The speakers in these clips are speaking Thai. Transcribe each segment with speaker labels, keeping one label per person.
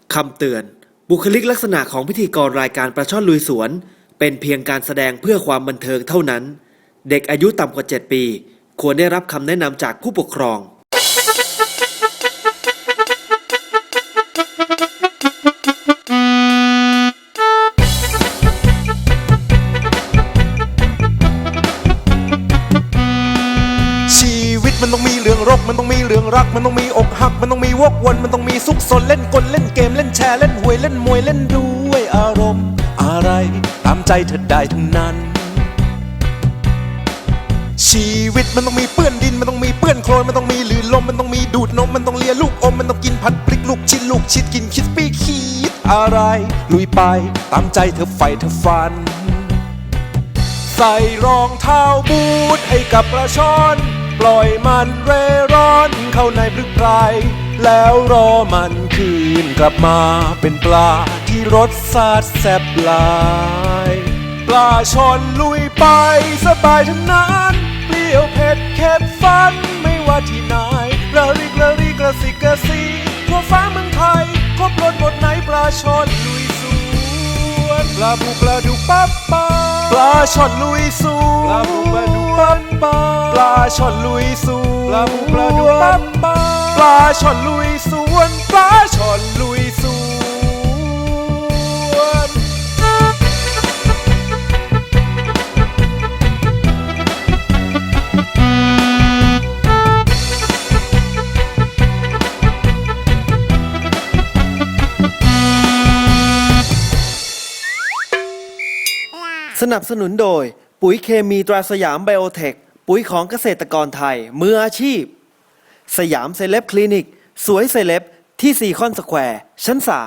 Speaker 1: คำเตือนบุคลิกลักษณะของพิธีกรรายการปลาช่อนลุยสวนเป็นเพียงการแสดงเพื่อความบันเทิงเท่านั้นเด็กอายุต่ำกว่า 7 ปีควรได้รับคำแนะนำจากผู้ปกครอง
Speaker 2: ชีวิตมันต้องมีเรื่องรกมันต้องมีเรื่องรักมันต้องมีอกหักมันต้องมีวกวนมันต้องมีซุกซนเล่นกลเล่นเกมเล่นแชร์เล่นหวยเล่นมวยเล่นด้วยอารมณ์อะไรตามใจเธอได้ทั้งนั้นชีวิตมันต้องมีเปื้อนดินมันต้องมีเปื้อนโคลนมันต้องมีลื่นลมมันต้องมีดูดนมมันต้องเลียลูกอมมันต้องกินผัดพริกลูกชิ้นลูกชิดกินคิดปี้คิดอะไรลุยไปตามใจเธอไฟเธอฟันใส่รองเท้าบูทให้กับปลาช่อนปล่อยมันเร่ร่อนเข้าในพรึกไพรแล้วรอมันคืนกลับมาเป็นปลาที่รสชาติแซ่บหลายปลาช่อนลุยไปสบายทั้งนั้นเปรี้ยวเผ็ดเค็มฟันไม่ว่าที่ไหนระริกระริกระสิกระสีทั่วฟ้าเมืองไทยครบรสหมดไหนปลาช่อนลุยสวนปลาบูปลาดุกปั๊บปาปลาช่อนลุยสวนปลาบูปลาดุกปั๊บปาปลาช่อนลุยสวนปลาบูปลาดุกปั๊บปาปลาช่อนลุยสวนปลาช่อนลุยสวน
Speaker 1: สนับสนุนโดยปุ๋ยเคมีตราสยามไบโอเทคปุ๋ยของเกษตรกรไทยมืออาชีพสยามเซเลบคลินิกสวยเซเลบที่ซีคอนสแควร์ชั้น 3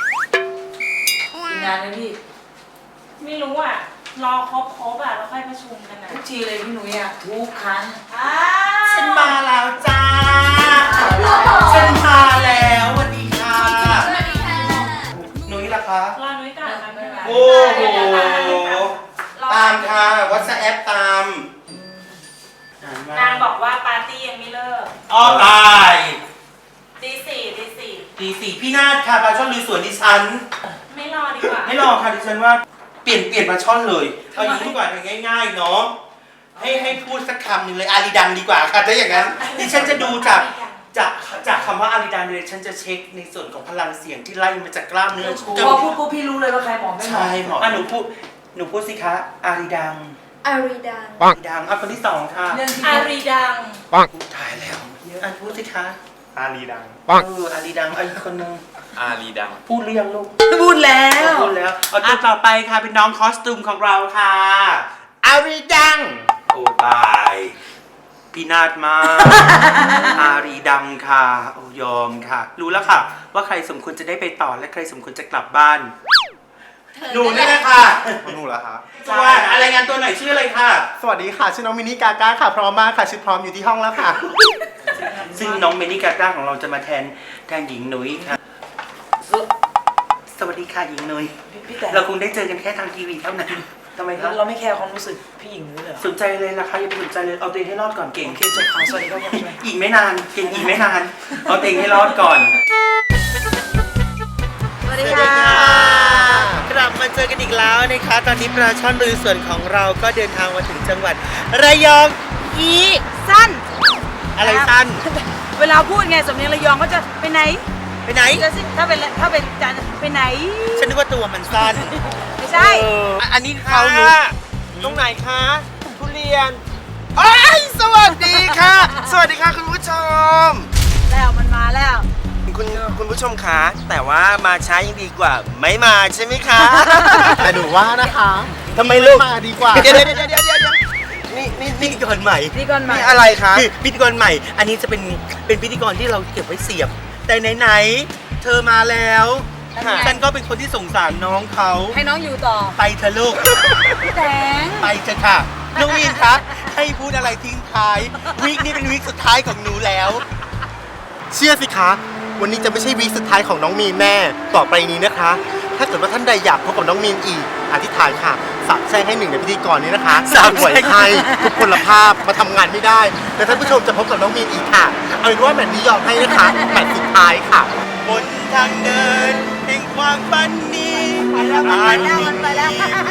Speaker 3: งานเลยพี่ไม่รู้อ่ะรอครบอ่ะแล้วค่อยประชุมกันนะทุกทีเลยพี่หนุ่ยอ่ะทุกครั้ง
Speaker 4: ฉันมาแล้วจ้าฉันมาแล้วสวัสดีค่ะหนุ่ยล่ะคะ
Speaker 3: รอนุ้ยก่อนนะนุ้ยก่อน
Speaker 4: โอ้โหตามค่ะวัสแอปตาม
Speaker 3: นางบอกว่าปาร์ตี้ยังไม่เลิก
Speaker 4: อ้อตาย
Speaker 3: ตีสี่
Speaker 4: ตีสี่พี่นาฏค่ะปลาช่อนลุยสวนดิฉัน
Speaker 3: ไม่รอดีกว่า
Speaker 4: ไม่รอค่ะดิฉันว่าเปลี่ยนปลาช่อนเลยเอาอย่างนี้ดีกว่าง่ายๆเนาะให้พูดสักคำหนึ่งเลยอารีดังดีกว่าค่ะถ้าอย่างนั้นดิฉันจะดูจากคำว่าอารีดังเลยฉันจะเช็คในส่วนของพลังเสียงที่ไล่มาจากกล้ามเนื้อช่วง
Speaker 3: พอพูดปุ๊บพี่รู้เลยว่าใครหมอไม่หมอ
Speaker 4: ใช่หมอหนูพูดสิคะอารีดัง
Speaker 5: อารีดัง
Speaker 4: อารีดังคนที่สองค่ะ
Speaker 3: อารีดัง
Speaker 4: ถ่ายแล้วอันพูดสิคะ
Speaker 6: อารีดัง
Speaker 4: อารีดังอีกคนนึง
Speaker 6: อารีดัง
Speaker 4: พูดเรียงลูก
Speaker 3: พูดแล้ว
Speaker 4: พูดแล้วเอาตัวต่อไปค่ะเป็นน้องคอสตูมของเราค่ะอารีดังโอ้ตายพี่นาฏมากอารีดังค่ะโอ้ยอมค่ะรู้แล้วค่ะว่าใครสมควรจะได้ไปต่อและใครสมควรจะกลับบ้านหนูนี่แหละค่ะ
Speaker 6: หนูเหรอคะ
Speaker 4: ตัวอะไรงานตัวไหนชื่ออะไรค่ะ
Speaker 6: สวัสดีค่ะ ชื่อน้องมินิกาก้าค่ะ พร้อมมากค่ะ ชุดพร้อมอยู่ที่ห้องแล้วค่ะ
Speaker 4: ซึ่งน้องเมนิกาก้าของเราจะมาแทนหญิงนุ้ยค่ะสวัสดีค่ะหญิงนุ้ย
Speaker 3: พี่แต่
Speaker 4: เราคงได้เจอกันแค่ทางทีวีเท่านั้นทำไมครับ
Speaker 3: เราไม่แคร์ความรู้สึกพี่หญิงเลยเหรอ
Speaker 4: สนใจเลยนะคะอย่าไปสนใจเลยเอาตัวเองให้รอดก่อนเก่ง
Speaker 3: โอเคจบข่าวสวัสดีครับ
Speaker 4: อีกไม่นานเก่งอีกไม่นานเอาตัวเองให้รอดก่อน
Speaker 3: สวัสดีค่ะ
Speaker 4: กลับมาเจอกันอีกแล้วนะคะตอนนี้ปลาช่อนลุยสวนของเราก็เดินทางมาถึงจังหวัดระยอง
Speaker 5: สั้น
Speaker 4: อะไรสั้น
Speaker 5: เวลาพูดไงสำเนียงระยองก็จะไปไหน
Speaker 4: ไปไหน
Speaker 5: จะสิถ้าเป็นจันไปไหน
Speaker 4: ฉันนึกว่าตัวมันสั้น
Speaker 5: ไม่ใช่
Speaker 4: อันนี้เขาหนูตรงไหนคะทุเรียนโอ้ยสวัสดีค่ะ สวัสดีค่ะคุณผู้ชม
Speaker 5: แล้วมันมาแล้ว
Speaker 4: คุณผู้ชมคะแต่ว่ามาช้ายังดีกว่า ไม่มาใช่ไหมคะ
Speaker 6: แต่หนูว่านะคะ
Speaker 4: ทำไมลูก
Speaker 6: มาดีกว่า
Speaker 4: เดี๋ยวนี่พิธีกรใหม่
Speaker 5: พิธีกรใหม่
Speaker 4: นี่อะไรคะคือพิธีกรใหม่ อันนี้จะเป็นพิธีกรที่เราเก็บไว้เสียบ แต่ไหนๆเธอมาแล้วฉันก็เป็นคนที่สงสารน้องเขา
Speaker 5: ให้น้องอยู่ต่อ
Speaker 4: ไปเถอะลูก
Speaker 5: พี่แตง
Speaker 4: ไปเถอะค่ะน้องมีนคะให้พูดอะไรทิ้งท้ายวีคนี้เป็นวีคสุดท้ายของหนูแล้ว
Speaker 6: เชื่อสิคะ วันนี้จะไม่ใช่วีคสุดท้ายของน้องมีนแน่ ต่อไปนี้นะคะ ถ้าเกิดว่าท่านใดอยากพบกับน้องมีนอีก อธิษฐานค่ะสาบแช่งให้หนึ่งในพิธีกรนี้นะคะ
Speaker 4: สาบแช่ง
Speaker 6: ป่วยไข้ทุกพลภาพมาทำงานไม่ได้ แต่ท่านผู้ชมจะพบกับน้องมีนอีกค่ะ เอาเป็นว่าแมตช์นี้ยอมให้นะคะแมตช์สุดท้ายค่ะ
Speaker 4: บนทางเดินงความฝันนี้
Speaker 5: มันไปแล้ว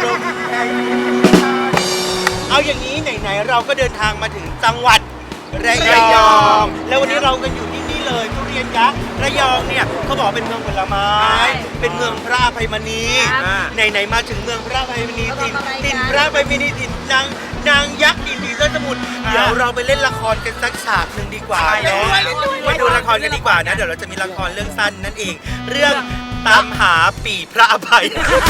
Speaker 4: เอาอย่างนี้ไหนๆเราก็เดินทางมาถึงจังหวัดระยอง แล้ววันนี้เรากันอยู่ที่นี่เลยทุเรียนยักษ์ระยองเนี่ยเขาบอกเป็นเมืองผลไม้ เป็นเมืองพระอภัยมณีไหนๆมาถึงเมืองพระอภัยมณีถิ่นพระอภัยมณีถิ่นนางยักษ์ดินผีเสื้อสมุทรเดี๋ยวเราไปเล่นละครกันสักฉากหนึ่งดีกว่าเนาะไปดูละครกันดีกว่านะเดี๋ยวเราจะมีละครเรื่องสั้นนั่นเอง เรื่องตามหาปีพระอภัย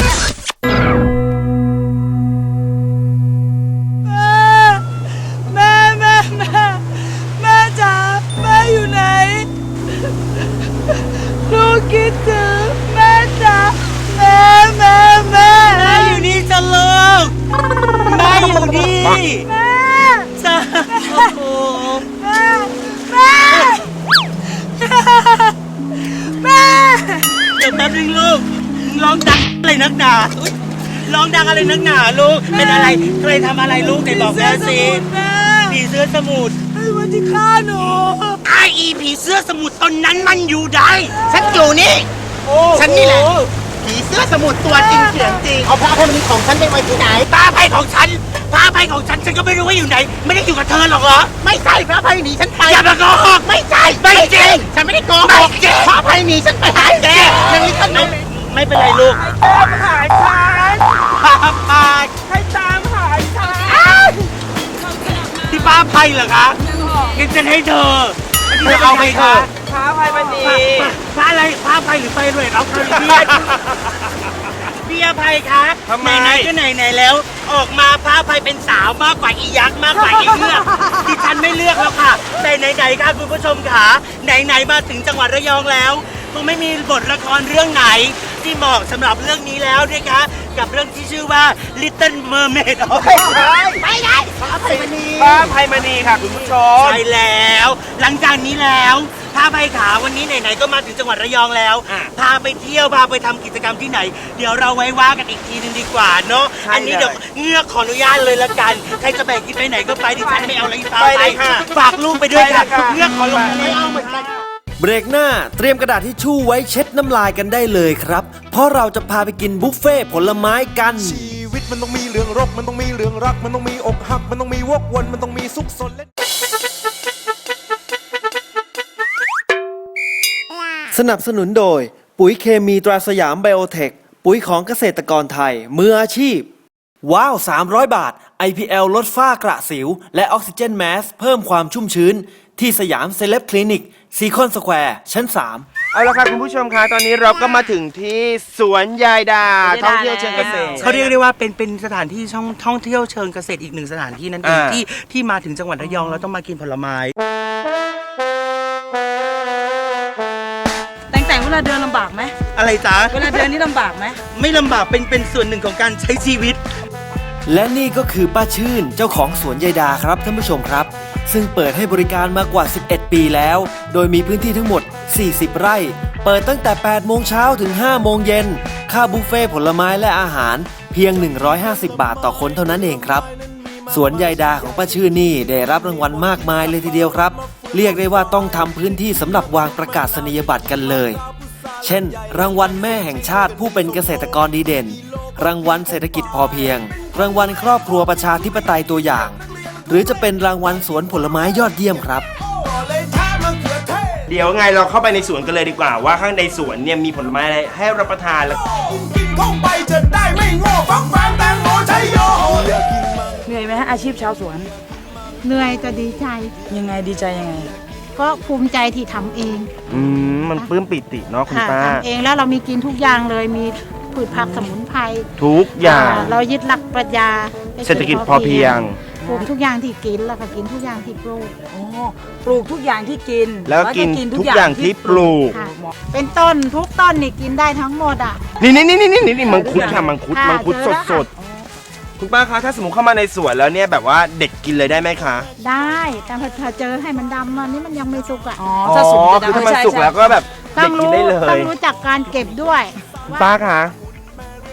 Speaker 3: แม่จ๋าแม่อยู่ไหนลูกคิดถึงแม่จ๋าแม่อยู่นี่จ้ะลูกแม่อยู่นี่แม่จ้าโอ้โหแม่เดี๋ยวแป๊บนึงลูกร้องดังอะไรนักหนาอุ๊ยร้องดังอะไรนักหนาลูกเป็นอะไรใครทำอะไรลูกไหนบอกแม่สิผีเสื้อสมุทรไอ้วันที่ฆ่าหนูไอ้ผีเสื้อสมุทรตอนนั้นมันอยู่ใด
Speaker 6: ฉันอยู่นี่ ฉันนี่แหละ ผีเสื้อสมุทรตัวจริงเสียงจริง เอาพระอภัยมณีของฉันไปไว้ที่ไหน
Speaker 4: พระอภัยของฉันฉันก็ไม่รู้ว่าอยู่ไหน ไม่ได้อยู่กับเธอหรอกเหรอ
Speaker 6: ไม่ใช่พระอภัยหนีฉันไป
Speaker 4: อย่ามาโกหก
Speaker 6: ไม่ใช่
Speaker 4: ไม่จริง
Speaker 6: ฉันไม่ได้โกห
Speaker 4: ไม่
Speaker 6: ก
Speaker 4: จริง
Speaker 6: พระอภัยหนีฉันไปหาแกยังมีขนม
Speaker 4: ไม่เป็นไรลูกตามหาฉันพระอภัยให้ตามหาฉันที่พระอภัยเหรอคะงั้นฉันให้เธอจะเอาไปเธอพระอภัยมันดีพระอะไรพระอภัยหรือไฟเรดเอาคาริเบียนพี่อภัยคะไหนๆก็ไหนๆแล้ว ออกมาพระอภัยเป็นสาวมากกว่าอียักษ์มากกว่าอีเลือกที่ฉันไม่เลือกแล้วค่ะแต่ไหนๆค่ะคุณผู้ชมค่ะไหนๆมาถึงจังหวัดระยองแล้วคงไม่มีบทละครเรื่องไหนที่เหมาะสำหรับเรื่องนี้แล้วนะคะกับเรื่องที่ชื่อว่า Little Mermaid
Speaker 6: ไม่ได้พระอภัยมณี
Speaker 4: พระอภัยมณีค่ะคุณผู้ชมใช่แล้ว หลังจากนี้แล้วพาไปขาวันนี้ไหนๆก็มาถึงจังหวัดระยองแล้วพาไปเที่ยวพาไปทำกิจกรรมที่ไหน เดี๋ยวเราไว้ว่ากันอีกทีนึงดีกว่าเนาะอันนี้เดี๋ยวเงือกขออนุญาตเลยละกันใครจะแบกกินไปไหนก็ไปดิฉันไม่เอาอะไรพาไปฝากลูกไปด้วยค่ะเงือกขอลงไม่เอาเหมือนกัน
Speaker 1: เบรกหน้าเตรียมกระดาษทิชชู่ไว้เช็ดน้ำลายกันได้เลยครับ เพราะเราจะพาไปกินบุฟเฟ่ต์ผลไม้กัน
Speaker 2: ชีวิตมันต้องมีเรื่องรก มันต้องมีเรื่องรัก มันต้องมีอกหัก มันต้องมีวกวน มันต้องมีซุกซนและ
Speaker 1: สนับสนุนโดยปุ๋ยเคมีตราสยามไบโอเทค ปุ๋ยของเกษตรกรไทยมืออาชีพ ว้าว 300 บาท IPL ลดฝ้ากระสิว และออกซิเจนแมสเพิ่มความชุ่มชื้น ที่สยามเซเลบคลินิกซีคอนสแควร์ชั้น 3
Speaker 7: เอาละค่ะคุณผู้ชมคะตอนนี้เราก็มาถึงที่สวนยายดาท่องเที่ยวเชิงเกษตร
Speaker 4: เขาเรียกได้ว่าเป็นสถานที่ท่องเที่ยวเชิงเกษตรอีกหนึ่งสถานที่นั่นเองที่มาถึงจังหวัดระยองแล้วต้องมากินผลไม้
Speaker 5: แต่งเวลาเดินลำบากไหม
Speaker 4: อะไรจ๊ะ
Speaker 5: เวลาเดินนี่ลำบากไหม
Speaker 4: ไม่ลำบากเป็นส่วนหนึ่งของการใช้ชีวิต
Speaker 1: และนี่ก็คือป้าชื่นเจ้าของสวนยายดาครับท่านผู้ชมครับ ซึ่งเปิดให้บริการมากว่า 11 ปีแล้ว โดยมีพื้นที่ทั้งหมด 40 ไร่ เปิดตั้งแต่ 8 โมงเช้าถึง 5 โมงเย็น ค่าบุฟเฟ่ต์ผลไม้และอาหารเพียง 150 บาทต่อคนเท่านั้นเองครับ สวนยายดาของป้าชื่นนี่ได้รับรางวัลมากมายเลยทีเดียวครับ เรียกได้ว่าต้องทำพื้นที่สำหรับวางประกาศนียบัตรกันเลย เช่น รางวัลแม่แห่งชาติผู้เป็นเกษตรกรดีเด่น รางวัลเศรษฐกิจพอเพียง รางวัลครอบครัวประชาธิปไตยตัวอย่าง หรือจะเป็นรางวัลสวนผลไม้ยอดเยี่ยมครับ
Speaker 7: เดี๋ยวไงเราเข้าไปในสวนกันเลยดีกว่าว่าข้างในสวนเนี่ยมีผลไม้อะไรให้รับประทานแล้ว
Speaker 5: เหนื่อยไหมฮะอาชีพชาวสวน
Speaker 8: เหนื่อยแต่ดีใจ
Speaker 5: ยังไงดีใจยังไง
Speaker 8: ก็ภูมิใจที่ทำเอง
Speaker 7: มันปลื้มปิติเนาะคุณ
Speaker 8: ค่ะ
Speaker 7: ป้า
Speaker 8: ทำเองแล้วเรามีกินทุกอย่างเลยมีพืชผักสมุนไพร
Speaker 7: ทุกอย่าง
Speaker 8: เรายึดหลักปรัชญา
Speaker 7: เศรษฐกิจพอเพียง
Speaker 8: ปลูกทุกอย่างที่กินแล้วก็กินทุกอย่างที่ปลูก
Speaker 5: ปลูกทุกอย่างที่กิน
Speaker 7: แล้วกินทุกอย่างที่ปลูก
Speaker 8: ค่ะเป็นต้นทุกต้นนี่กินได้ทั้งหมดอ่ะ
Speaker 7: นี่มังคุดค่ะมังคุด
Speaker 8: ค่ะ
Speaker 7: มังคุด
Speaker 8: เจอแล้ว
Speaker 7: สดๆคุณป้าคะถ้าสมมติเข้ามาในสวนแล้วเนี่ยแบบว่าเด็กกินเลยได้ไหมคะ
Speaker 8: ได้แต่พอเจอให้มันดำอันนี้มันยังไม่สุกอ่ะ
Speaker 5: อ๋อถ้าสุกจะ
Speaker 7: คือถ้ามัน
Speaker 5: ใช่
Speaker 7: สุกแล้วก็แบบ
Speaker 8: ต้
Speaker 7: เด็
Speaker 8: อก ง
Speaker 7: กิน
Speaker 8: รู้
Speaker 7: ได้เล
Speaker 8: ต้อย งรู้จักการเก็บด้วย
Speaker 7: คุณป้าคะ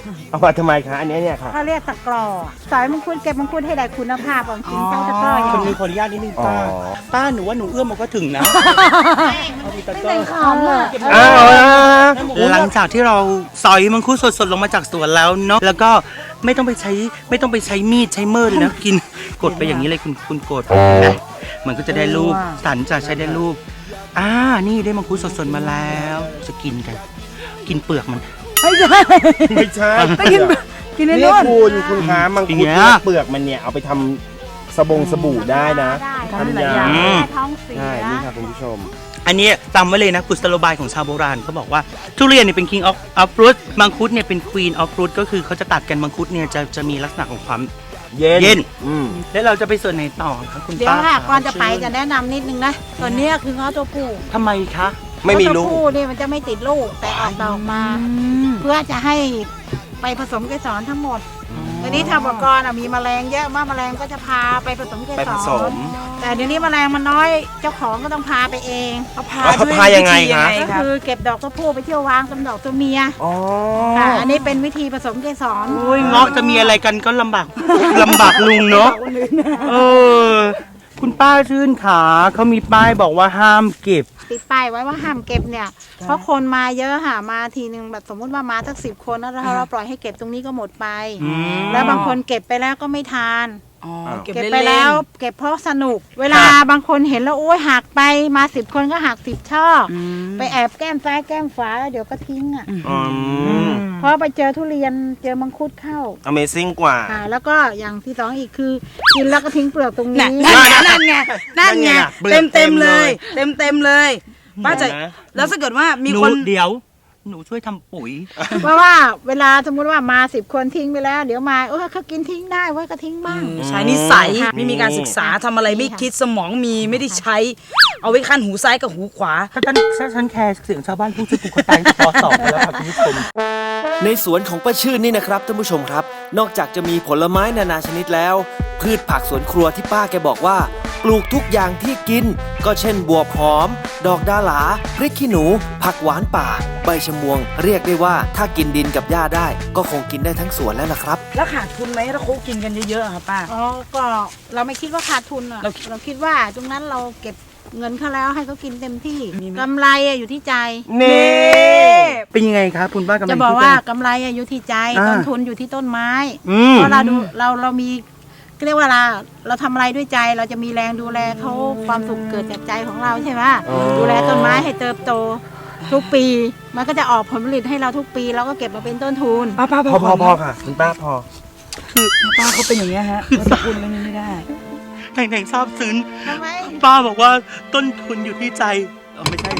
Speaker 7: เอามาทำไมคะอันนี้เนี่ยค่ะ
Speaker 8: เขาเรียกตะกร้อสอยมังคุดเก็บมังคุดให้ได้คุณภาพของกินใช้ตะกร้ออย่าง
Speaker 3: คน
Speaker 8: นี้
Speaker 3: นี้ขออนุญาตนิดนึง
Speaker 7: อ๋อ
Speaker 3: ป้าหนูว่าหนูเอื้อมมันก็ถึงนะเอาดีตะกร้อ
Speaker 8: หอมอ่ะ
Speaker 7: อ้าว
Speaker 3: หลังจากที่เราซอยมังคุดสดๆลงมาจากสวนแล้วเนาะแล้วก็ไม่ต้องไปใช้มีดใช้เมิดเลยนะกินกดไปอย่างนี้เลยคุณกดเห็นไหมมันก็จะได้รูปสันจะใช้ได้รูปนี่ได้มังคุดสดๆมาแล้วจะกินกัน กินเปลือกมัน
Speaker 5: ไม่ใช่
Speaker 7: ไม่ใช่
Speaker 5: ไปกินใน
Speaker 7: นี่
Speaker 5: นู่น
Speaker 7: คุณคะมังคุด
Speaker 3: อย่างเงี้ย
Speaker 7: เนี่ยเปลือกมันเนี่ยเอาไปทำสบู่ได้นะ
Speaker 8: ได้
Speaker 5: ทำหลายอย่าง
Speaker 3: อืม
Speaker 8: ท้องเสีย
Speaker 7: ใช่นี่ค่ะคุณผู้ชม
Speaker 3: อันนี้จำไว้เลยนะกุศโลบายของชาวโบราณเขาบอกว่าทุเรียนเนี่ยเป็น king of fruit มังคุดเนี่ยเป็น queen of fruit ก็คือเขาจะตัดกันมังคุดเนี่ยจะมีลักษณะของความ
Speaker 7: เย็น
Speaker 3: เย็น
Speaker 7: อืม
Speaker 3: แล้วเราจะไปส่วนไหนต่อครับคุณ
Speaker 8: เดี๋ยว
Speaker 3: ป้า
Speaker 8: ค่ะ
Speaker 3: ครับ
Speaker 8: ก่อนจะไปจะแนะนำนิดนึงนะตัวเนี้ยคือเงาะตัวผู้
Speaker 3: ทำไมคะ
Speaker 7: ไม่มีลูก
Speaker 8: เงาะตัวผู้นี่มันจะไม่ติดลูกแต่ออกดอกมา เพื่อจะให้ไปผสมเกสรทั้งหมดทีนี้ทางอุปกรณ์มีแมลงเยอะมากแมลงก็จะพาไปผสมเก
Speaker 7: ไป
Speaker 8: ส
Speaker 7: ผส
Speaker 8: ร
Speaker 7: ม
Speaker 8: แต่เดี๋ยวนี้แมลงมันน้อยเจ้าของก็ต้องพาไปเอง
Speaker 5: เอาพา
Speaker 7: เอา
Speaker 5: ด้วย
Speaker 7: พายังไง
Speaker 5: วิธี
Speaker 7: คะ
Speaker 8: ก็คือเก็บดอกตัวผู้ไปเที่ยววางกับดอกตัวเมีย
Speaker 7: อ๋อ
Speaker 8: ค่ะอันนี้เป็นวิธีผสมเกสร
Speaker 3: โอ้ยเงาะจะมีอะไรกันก็ลำบาก ลำบากลุงเนาะเออคุณป้าชื่นขาเขามีป้ายบอกว่าห้ามเก็บ
Speaker 8: ติดป้ายไว้ว่าห้ามเก็บเนี่ยเพราะคนมาเยอะค่ะมาทีนึงแบบสมมติว่ามาสัก10 คนแล้วเราปล่อยให้เก็บตรงนี้ก็หมดไป แล้วบางคนเก็บไปแล้วก็ไม่ทาน
Speaker 5: อ๋อเก็บ
Speaker 8: เก็บ
Speaker 5: เล่นๆ
Speaker 8: ไปแล้วเก็บเพราะสนุก เวลาบางคนเห็นแล้วโอ้ยหักไปมา10 คนก็หัก10 ช่ออไปแอบแก้มซ้ายแก้มขวาแล้วเดี๋ยวก็ทิ้งอ่ะ
Speaker 7: อืม
Speaker 8: เพราะไปเจอทุเรียนเจอมังคุดเข้า
Speaker 7: Amazing กว่า
Speaker 8: แล้วก็อย่างที่สองอีกคือกินแล้วก็ทิ้งเปลือกตรงนี้
Speaker 5: นั่นไง
Speaker 3: นั่นไง
Speaker 5: เต็มเลยเต็มเลยป้าจะ
Speaker 3: เห็นไหม
Speaker 5: แล้วถ้าเกิดว่ามี
Speaker 3: หนู
Speaker 5: คน
Speaker 3: เดี๋ยว หนูช่วยทำปุ๋ย
Speaker 8: เพราะว่าเวลาสมมติว่ามา10 คนทิ้งไปแล้ว เดี๋ยวมาเขากินทิ้งได้ไว้ก็ทิ้งบ้าง
Speaker 5: ใช้นิสัย
Speaker 8: ค่ะ
Speaker 5: ไม่มีการศึกษาทำอะไรไม่คิดสมองมีไม่ได้ใช้ เอาไว้ขั้นหูซ้ายกับหูขวา
Speaker 3: ถ้าฉันแคร์เสียงชาวบ้านพูดชื่อกูก็ตายป.2แล้วครับคุณผู้ชม
Speaker 1: ในสวนของป้าชื่นนี่นะครับท่านผู้ชมครับ นอกจากจะมีผลไม้นานาชนิดแล้ว พืชผักสวนครัวที่ป้าแกบอกว่า ปลูกทุกอย่างที่กิน ก็เช่นบัวหอม ดอกดาหลาพริกขี้หนู ผักหวานป่า ใบชะมวง เรียกได้ว่าถ้ากินดินกับหญ้าได้ ก็คงกินได้ทั้งสวนแล้วล่ะครับ
Speaker 5: แล้วขาดทุนไหมถ้าเขากินกันเยอะๆอะค่ะป้า
Speaker 8: อ๋อก็เราไม่คิดว่าขาดทุนอ่ะ
Speaker 5: เรา
Speaker 8: เราคิดว่าตรงนั้นเราเก็บเงินเขาแล้วให้เขากินเต็มที่กำไรอยู่ที่ใจ
Speaker 7: นี่
Speaker 3: เป็นยังไงครับคุณป้ากำลัง
Speaker 8: จะบอกว่ากำไรอยู่ที่ใจ ต้นทุนอยู่ที่ต้นไม้ เพราะเรามีเรียกว่าเราทำอะไรด้วยใจเราจะมีแรงดูแลเขาความสุขเกิดจากใจของเราใช่ไหมดูแลต้นไม้ให้เติบโตทุกปี มันก็จะออกผลผลิตให้เราทุกปีเราก็เก็บมาเป็นต้นทุน
Speaker 5: ป้า
Speaker 7: พอค่ะ คุณป้าพอ
Speaker 5: ป้าเขาเป็นอย่างเงี้ยฮะเขาจะพูดเรื่องนี้ไม่ได้
Speaker 3: แต่งทราบซึ้ง
Speaker 8: ทำไม
Speaker 3: ป้าบอกว่าต้นทุนอยู่ที่ใจไม่ใช่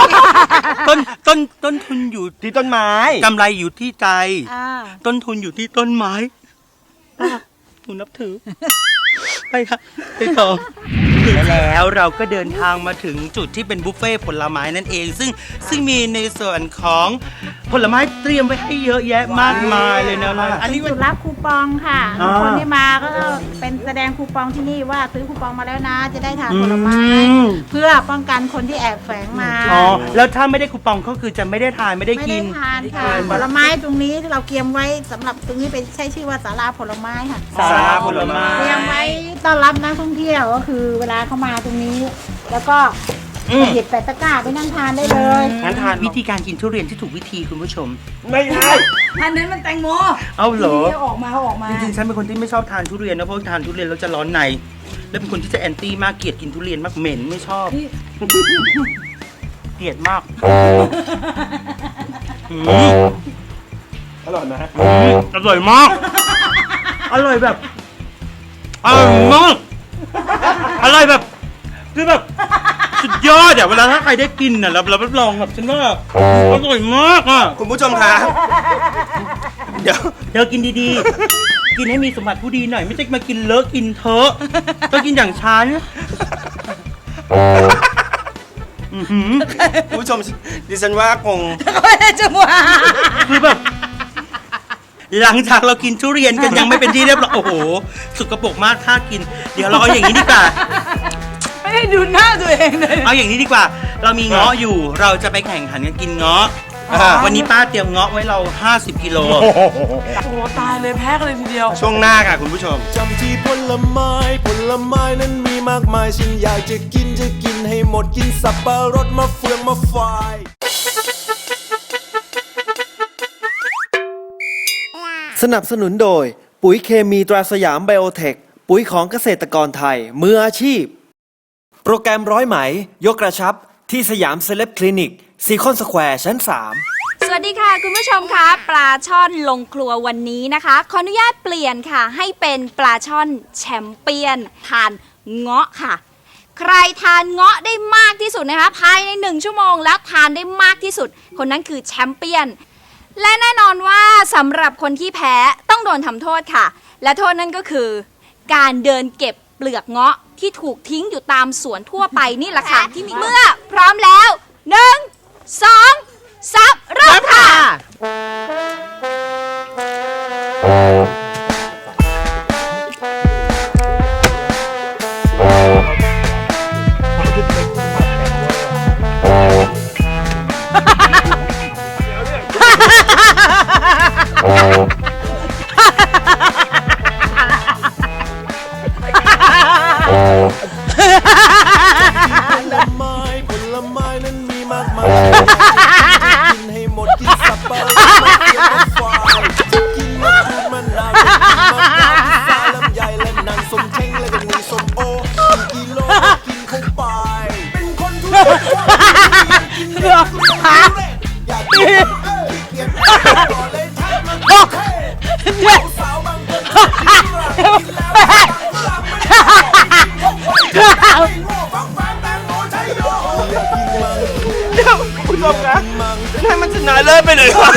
Speaker 3: ต้นทุนอยู่
Speaker 7: ที่ต้นไม้
Speaker 3: กำไรอยู่ที่ใจ
Speaker 8: อ่า
Speaker 3: ต้นทุนอยู่ที่ต้นไม้ป้าหนูนับถือ ไปค่ะไปต่อแล้วเราก็เดินทางมาถึงจุดที่เป็นบุฟเฟ่ต์ผลไม้นั่นเอง ซึ่งมีในส่วนของผลไม้เตรียมไว้ให้เยอะแยะมากมายเลยนะอันนี้
Speaker 8: จุดรับคูปองค่ะ
Speaker 3: อ่า
Speaker 8: คนที่มาก็เป็นแสดงคูปองที่นี่ว่าซื้อคูปองมาแล้วนะ จะได้ทานผลไม้ เพื่อป้องกันคนที่แอบแฝงมา
Speaker 3: อ๋อแล้วถ้าไม่ได้คูปองก็คือจะไม่ได้ทานไม่ได้
Speaker 8: ไม่
Speaker 3: กิ
Speaker 8: ได้
Speaker 3: น
Speaker 8: ทานค่ะผลไม้ตรงนี้ที่เราเตรียมไว้สำหรับตรงนี้เป็นใช้ชื่อว่าศาลาผลไม้ค่ะ
Speaker 3: ศาลาผลไม้
Speaker 8: เตรียมไว้ต้อนรับนักท่องเที่ยวก็คือเวลาเขามาตรงนี้ แล้วก็หยิบแปะตะกร้าไปนั่งทานได้เลย
Speaker 3: งั้นทานวิธีการกินทุเรียนที่ถูกวิธีคุณผู้ชม
Speaker 7: ไม่ใช่
Speaker 5: อันนั้นมันแตงโม
Speaker 3: เอาเหรอ
Speaker 5: ที่ออกมา
Speaker 3: จริงๆฉันเป็นคนที่ไม่ชอบทานทุเรียนนะเพราะทานทุเรียนแล้วจะร้อนใน แล้วเป็นคนที่จะแอนตี้มากเกลียดกินทุเรียนมากเหม็นไม่ชอบ เกลียดมากอืม
Speaker 7: อร่อยนะ
Speaker 3: อร่อยมาก อร่อยแบบอร่อยมากอร่อยแบบคือแบบสุดยอดอะเวลาถ้าใครได้กินอะเรารับรองแบบฉันว่าอร่อยมากอะ
Speaker 7: คุณผู้ชมคะ เดี๋ยว
Speaker 3: เธอกินดีๆ กินให้มีสมบัติผู้ดีหน่อยไม่ใช่มากินเลอะกินเถอะต้องกินอย่างฉันอื้อหือ
Speaker 7: คุณผู้ชมดิฉันว่าคง
Speaker 5: จังหวะ
Speaker 3: คือแบบ หลังจากเรากินทุเรียนกันยังไม่เป็นที่เรียบร้อยโอ้โหสุกปรกมากถ้ากิน เดี๋ยวเราเอาอย่างนี้ดีกว่า
Speaker 5: ไม่ได้ดูหน้าตัวเองเลย
Speaker 3: เอาอย่างนี้ดีกว่า เรามีเงาะอยู่ เราจะไปแข่งขันกันกินเงาะวันนี้ป้าเตรียมเงาะไว้เรา 50 กิโล
Speaker 5: โอ้ตายเลยแพ้กันเลยทีเดียว
Speaker 7: ช่วงหน้าค่ะคุณผู้ชม
Speaker 2: จำที่ผลไม้นั้นมีมากมายฉันอยากจะกินให้หมดกินสับปะรดมะเฟืองมะฝาย
Speaker 1: สนับสนุนโดยปุ๋ยเคมีตราสยามไบโอเทค ปุ๋ยของเกษตรกรไทยมืออาชีพ โปรแกรมร้อยไหมยกกระชับที่สยามเซเลบคลินิกซีคอนสแควร์ชั้น 3
Speaker 9: สวัสดีค่ะคุณผู้ชมคะปลาช่อนลงครัววันนี้นะคะขออนุญาตเปลี่ยนค่ะให้เป็นปลาช่อนแชมเปี้ยนทานเงาะค่ะ ใครทานเงาะได้มากที่สุดนะคะภายใน1 ชั่วโมงแล้วทานได้มากที่สุดคนนั้นคือแชมเปี้ยนและแน่นอนว่าสำหรับคนที่แพ้ต้องโดนทำโทษค่ะและโทษนั่นก็คือการเดินเก็บเปลือกเงาะที่ถูกทิ้งอยู่ตามสวนทั่วไปนี่แหละค่ะที่มีเมื่อพร้อมแล้ว1 2 3เริ่มค่ะ
Speaker 2: ผลไม้นั้นมีมากมายกินให้หมดกินสับปะรดมะเฟืองมะฝายจะกินมะกรูดมะนาวจะกินมะพร้าวพิซซ่าลำไยและนางส้มเช้งและก็มีส้มโอกิโลกินเข้าไปเป็นคนทุเรศอยากกินเกลียดต่อเลยใช้มันเท่สาวบางคนกินแล้ว
Speaker 7: คุณผู้ชมนะให้มันชนะเลิศไปเลยวะ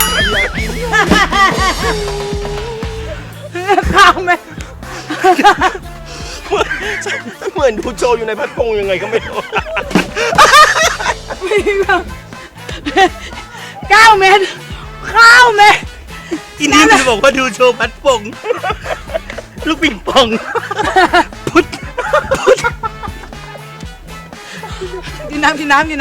Speaker 5: ข้าวไหม
Speaker 7: เหมือนดูโจอยู่ในพัดพงยังไงก็ไม่รู้
Speaker 5: 9 เม็ดข้าวเม็ด
Speaker 3: ทีนี้มันบอกว่าดูโชว์พัดปงลูกปิงปองพุทธ
Speaker 5: กินน้ำ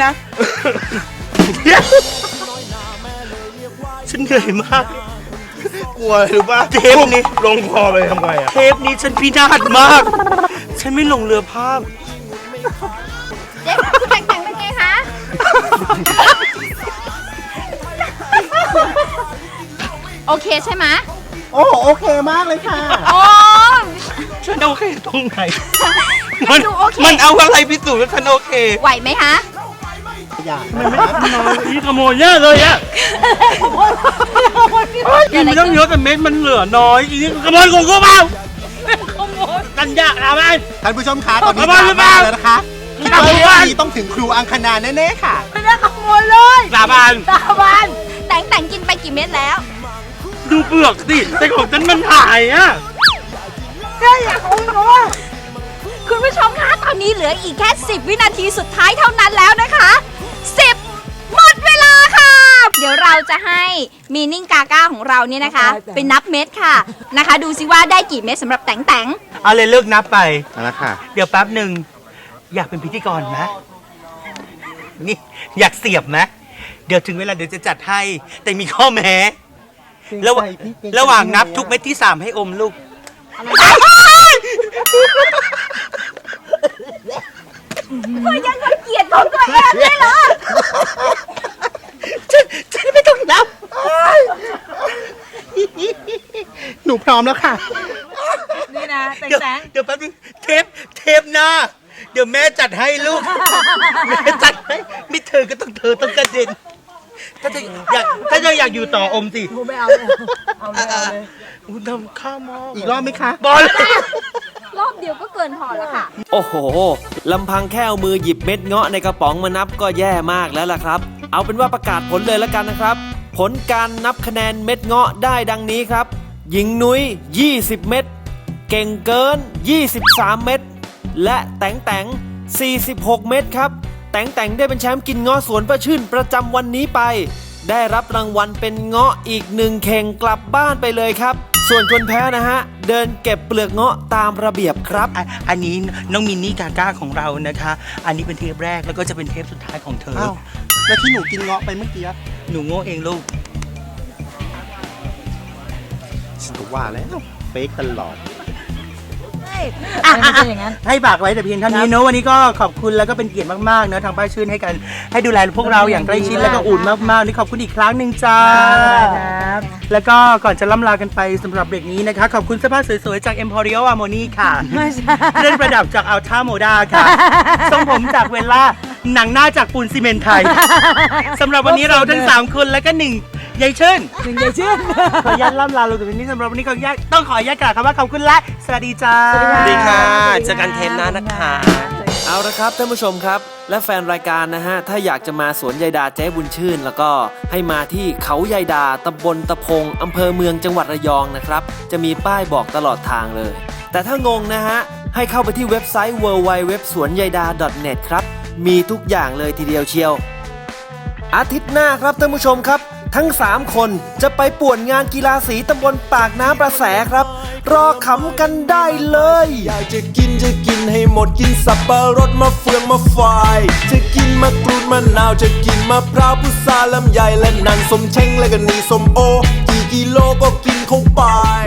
Speaker 3: ฉันเหนื่อยมาก
Speaker 7: กลัวหรือป่ะ
Speaker 3: เทปนี้
Speaker 7: ลงคอไปทำไงอ่ะ
Speaker 3: เทปนี้ฉันพินาศมาก ฉันไม่ลงเรือภาพ
Speaker 9: เด็กคุณแต่งเป็นไงคะ โอเคใช่ไหม
Speaker 6: โอ้โอเคมากเลยค่ะ
Speaker 9: โอ้
Speaker 3: ฉันโอเคตรงไหน
Speaker 9: มันดูโอเค
Speaker 3: มันเอาอะไรพิสูจน์ว่าฉันโอเค
Speaker 9: ไหวไหมคะ
Speaker 3: นี่ขโมยเยอะเลยอะกินไม่ต้องเยอะแต่เม็ดมันเหลือน้อยอีนี่ขโมยของกูเปล่าขโมยกันยากนะมัน
Speaker 6: ท่านผู้ชมคะตอนนี้
Speaker 3: ขโมยหรือเปล่า
Speaker 6: แล้วนะคะคิดว่าเรื่องนี้ต้องถึงครูอังคณาแน่ๆค่ะ
Speaker 5: ไม่ได้ขโมยเลย
Speaker 3: สาบาน
Speaker 5: ตาบาน
Speaker 9: แต่งกินไปกี่เม็ดแล้ว
Speaker 3: ดูเปลือกสิแต่ของฉันมันหายอะ
Speaker 5: ก็อยากเอาหนู
Speaker 9: คุณผู้ชมคะตอนนี้เหลืออีกแค่10 วินาทีสุดท้ายเท่านั้นแล้วนะคะ10หมดเวลาค่ะ เดี๋ยวเราจะให้มีนิ่งกาก้าของเราเนี่ยนะคะเป็นนับเม็ดค่ะนะคะ ดูซิว่าได้กี่เม็ดสำหรับแต่ง
Speaker 3: เอาเลยเลิกนับไป
Speaker 6: เอาละค่ะ
Speaker 3: เดี๋ยวแป๊บหนึ่งอยากเป็นพิธีกรไหมนี่อยากเสียบไหมเดี๋ยวถึงเวลาเดี๋ยวจะจัดให้ แต่มีข้อแม้ระหว่างนับทุกเม็ดที่ 3 ให้อมลูก
Speaker 9: เพื่อยังเกลียดของตัวเองเลยเหรอ
Speaker 3: ฉันไม่ต้องนับ
Speaker 6: หนูพร้อมแล้วค่ะ
Speaker 5: นี่นะ
Speaker 3: เดี๋ยว
Speaker 5: แต่ง
Speaker 3: เดี๋ยวแป๊บนึงเทปหน้า เดี๋ยวแม่จัดให้ลูก แม่จัดให้ไม่เธอก็ต้องเธอต้องกระเด็น ถ้าจะอยากอยู่ต่ออมสิ
Speaker 5: ไม่เอาเลยเอาเลย
Speaker 3: คุณทำข้าวหม้อ
Speaker 6: อีกรอบไหมคะ
Speaker 3: บอล
Speaker 9: รอบเดียวก็เกินพอแล้วค่ะ
Speaker 1: โอ้โห ลำพังแค่เอามือหยิบเม็ดเงาะในกระป๋องมานับก็แย่มากแล้วล่ะครับ เอาเป็นว่าประกาศผลเลยแล้วกันนะครับ ผลการนับคะแนนเม็ดเงาะได้ดังนี้ครับ หญิงนุ้ย 20 เม็ด เก่งเกิน 23 เม็ด และแต่ง 46 เม็ดครับ แต่งได้เป็นแชมป์กินเงาะสวนประชื่นประจำวันนี้ไป ได้รับรางวัลเป็นเงาะอีก1 เข่งกลับบ้านไปเลยครับ ส่วนคนแพ้นะฮะ เดินเก็บเปลือกเงาะตามระเบียบครับ
Speaker 3: อันนี้น้องมินนี่กาก้าของเรานะคะ อันนี้เป็นเทปแรกแล้วก็จะเป็นเทปสุดท้ายของเธอ
Speaker 6: อ้าวแล้วที่หนูกินเงาะไปเมื่อกี้
Speaker 3: หนูโง่เองลูก
Speaker 6: ฉันก็ว่าแล้วเฟกตลอด
Speaker 5: ไม่ใช่อย่างนั้น
Speaker 3: ให้ฝากไว้แต่เพียงเท่านี้เนอะวันนี้ก็ขอบคุณแล้วก็เป็นเกียรติมากๆเนอะทางป้าชื่นให้ดูแลพวกเราอย่างใกล้ชิดแล้วก็อุ่นมากๆนี่ขอบคุณอีกครั้งหนึ่งจ้า
Speaker 5: ครับ
Speaker 3: แล้วก็ก่อนจะล่ำลากันไปสำหรับเบรกนี้นะคะ ขอบคุณเสื้อผ้าสวยๆจาก Emporio Armoni ค่ะ
Speaker 5: ไม่ใช่
Speaker 3: เครื่องประดับจากอัลท่าโมดาค่ะทรงผมจากเวลล่าหนังหน้าจากปูนซีเมนต์ไทยสำหรับวันนี้เราทั้ง3คนแล้วก็1ยายชื่น
Speaker 5: หนึ่งเดียวชื่น
Speaker 3: ขออนุญาตล่ำลาเราตรงนี้สำหรับวันนี้ขออนุญาตต้องขออนุญาตกล่าวคำว่าขอบคุณและสวัสดีจ้า
Speaker 5: สวัสดีค่ะ
Speaker 7: เจอกันเทปหน้านะคะ
Speaker 1: เอาละครับท่านผู้ชมครับ และแฟนรายการนะฮะ ถ้าอยากจะมาสวนยายดาเจ๊บุญชื่น แล้วก็ให้มาที่เขายายดาตำบลตะพงอำเภอเมืองจังหวัดระยองนะครับ จะมีป้ายบอกตลอดทางเลย แต่ถ้างงนะฮะ ให้เข้าไปที่เว็บไซต์ www.swanyayda.net ครับ มีทุกอย่างเลยทีเดียวเชียว อาทิตย์หน้าครับท่านผู้ชมครับ ทั้ง 3 คนจะไปป่วนงานกีฬาสีตำบลปากน้ำประแสครับ รอขำกันได้เลย
Speaker 2: อยากจะกินให้หมดกินสับปะรดมะเฟืองมะฝายจะกินมะกรูดมะนาวจะกินมะพร้าวพุทราลำไยและนันสมเช้งและก็นีส้มโอกี่กิโลก็กินเข้าไป